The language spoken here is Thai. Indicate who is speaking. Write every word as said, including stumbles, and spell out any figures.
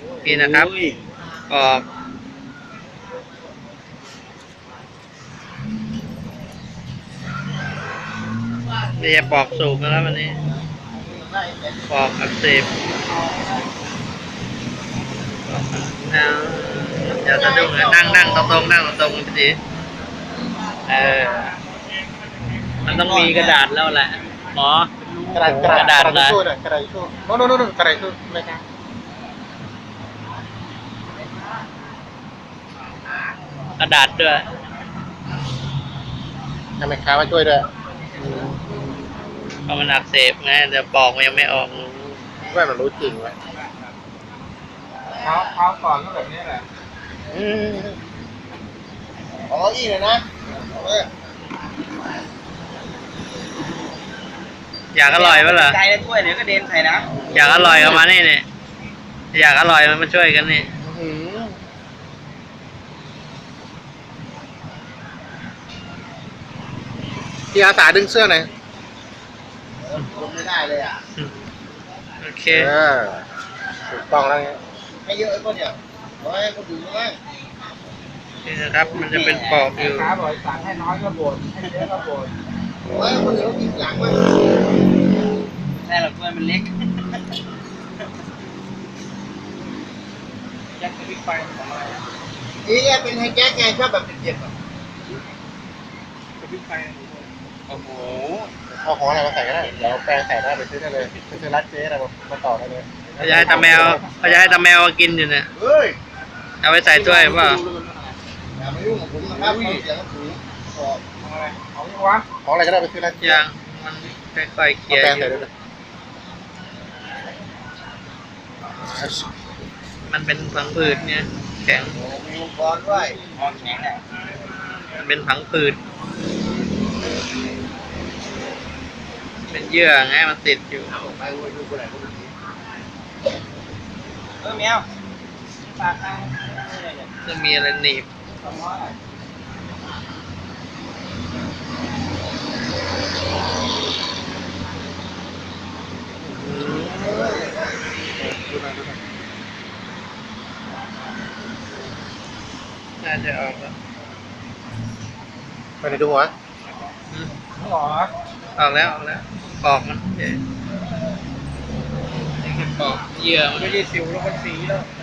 Speaker 1: นี่นะครับปอกนี่จะปอกสูบนะครับวันนี้ปอกอักเสบนะอย่าสะดุ้งนะนั่งนั่งตรงตรงนั่งตรงตรงพี่ตีเออมันต้องมีกระดาษแล้วแหละหมอกระดาษกระดาษกระดาษช่วยหน่อยกระดาษช่วยโน่นโน่นโน่นกระดาษช่วยไม่ใช่กระดาษด้วยทำไมค้ามาช่วยด้วยเพราะมันอักเสบไงเดี๋ยวปอกมันยังไม่ออกว่ามันรู้จริงวะเท้าเท้าก่อนก็แบบนี้แหละอืมอ๋ออีเลยนะอยากอร่อยปะล่ะใจแล้วถ้วยเดี๋ยวก็เด็นใส่นะอยากอร่อยก็มานี่เนี่ยอยากอร่อยมันมาช่วยกันนี่พี่อาสาดึงเสื้อหน่อยลงไม่ได้เลยอ่ะโอเคถูกต้องแล้วไงให้เยอะไอ้พวกเนี่ยร้อยก็ดึงมากนี่นะครับมันจะเป็นปอกอยู่ขาบ่อยสั่งให้น้อยก็บ่นให้เยอะก็บ่นโอ้ยคนเดียวกินหลังมั้ยใช่หรอกเพื่อนมันเล็กแจ็คกับบิ๊กไฟของอะไรนี่แกเป็นไฮแจ็คไงชอบแบบเจ็บๆอ่ะกับบิ๊กไฟโอ้โหเอาของอะไรมาใส่ก็ได้เดี๋ยวแปลงใส่ได้ไปซื้อได้เลยไปซื้อร้านเจ๊อะไรมาต่อได้เลยเขาจะให้ตาแมวเขาจะให้ตาแมวกินอยู่เนี่ยเอาไปใส่ถ้วยป่ะอย่ามายุ่งกับผมนะครับเสียงสูงของอะไรของวะของอะไรก็ได้ไปซื้อร้านเจ๊ยังมันค่อยๆเคลียร์อยู่มันเป็นผังผืดเนี่ยแข็งมีอุปกรณ์ด้วยอ๋อแข็งแหละมันเป็นผังผืดเป็นเยื่อไงมันติดอยู่เออแมวปากทางจะมีอะไรหนีบน่าจะออกแล้วไปไหนดูหัวออกออกแล้วออกแล้วปอกมันนี่คือปอกเยื่อมันไม่ได้สิวแล้วมันสีแล้ว